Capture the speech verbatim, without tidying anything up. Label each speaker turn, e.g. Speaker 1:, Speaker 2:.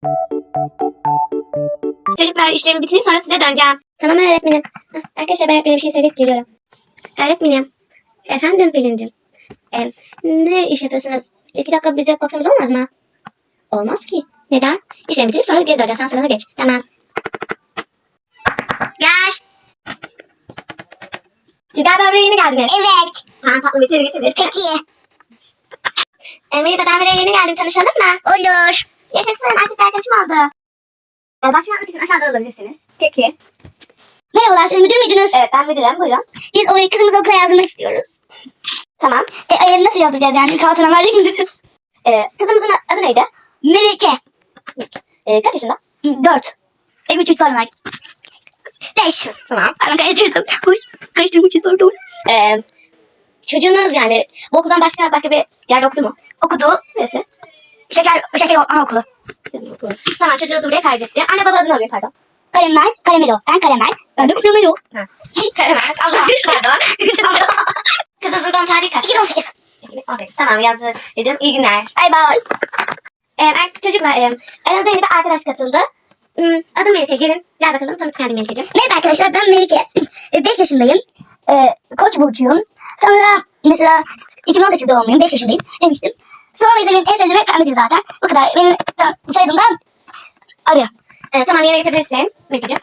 Speaker 1: Çocuklar işlerimi bitireyim sonra size döneceğim. Tamam öğretmenim. Hah, arkadaşlar ben öğretmenime bir şey söyleyip geliyorum. Öğretmenim. Efendim Pelin'cim. E, ne iş yapıyorsunuz? İki dakika bize baksanız olmaz mı? Olmaz ki. Neden? İşlerimi bitirip sonra geri döneceğim. Sen sırana geç. Tamam. Gel. Siz galiba buraya yeni geldiniz.
Speaker 2: Evet.
Speaker 1: Tamam tatlım içeri geçebiliriz.
Speaker 2: Peki.
Speaker 1: E, Melida ben buraya yeni geldim. Tanışalım mı?
Speaker 2: Olur.
Speaker 1: Yaşasın artık bir arkadaşım oldu. E, başlamak için aşağıda olabilirsiniz. Peki.
Speaker 2: Merhabalar, siz müdür müydünüz?
Speaker 1: Evet ben müdürüm. Buyurun.
Speaker 2: Biz o kızımızı okula yazdırmak istiyoruz.
Speaker 1: Tamam.
Speaker 2: E, e, nasıl yazdıracağız yani? Kağıtına verecek misiniz?
Speaker 1: E, kızımızın adı neydi?
Speaker 2: Melike.
Speaker 1: E, kaç yaşında?
Speaker 2: Dört. E, üç üç pardon var. Beş.
Speaker 1: Tamam.
Speaker 2: Pardon karıştırdım. Uy, karıştırmışız pardon.
Speaker 1: E, çocuğunuz yani bu okuldan başka başka bir yerde okudu mu?
Speaker 2: Okudu.
Speaker 1: Neresi?
Speaker 2: Şeker, şeker anaokulu.
Speaker 1: Tamam çocuğunuzu buraya kaydetti. Anne baba adını alayım pardon.
Speaker 2: Karamel, karamelo. Ben karamel. Ben de karamelo.
Speaker 1: Ha. Karamel. Allah pardon. Kızınızın doğum tarihi kaç?
Speaker 2: iki bin on sekiz.
Speaker 1: Tamam yazdım. İyi günler.
Speaker 2: Bye bye.
Speaker 1: Ee, çocuklar e, aranızda yeni bir arkadaş katıldı. Hmm, adım Melike. Gelin. Gel bakalım tanıt kendini Melike'ciğim.
Speaker 2: Merhaba arkadaşlar, ben Melike. beş yaşındayım. E, Koç burcuyum. Sonra mesela iki bin on sekiz doğumluyum. beş yaşındayım demiştim. Sonra ise benim en sevdiğim renk pembedir zaten. Bu kadar. Benim soyadımdan arıyor.
Speaker 1: Ee, tamam yerine geçebilirsin Melike'ciğim.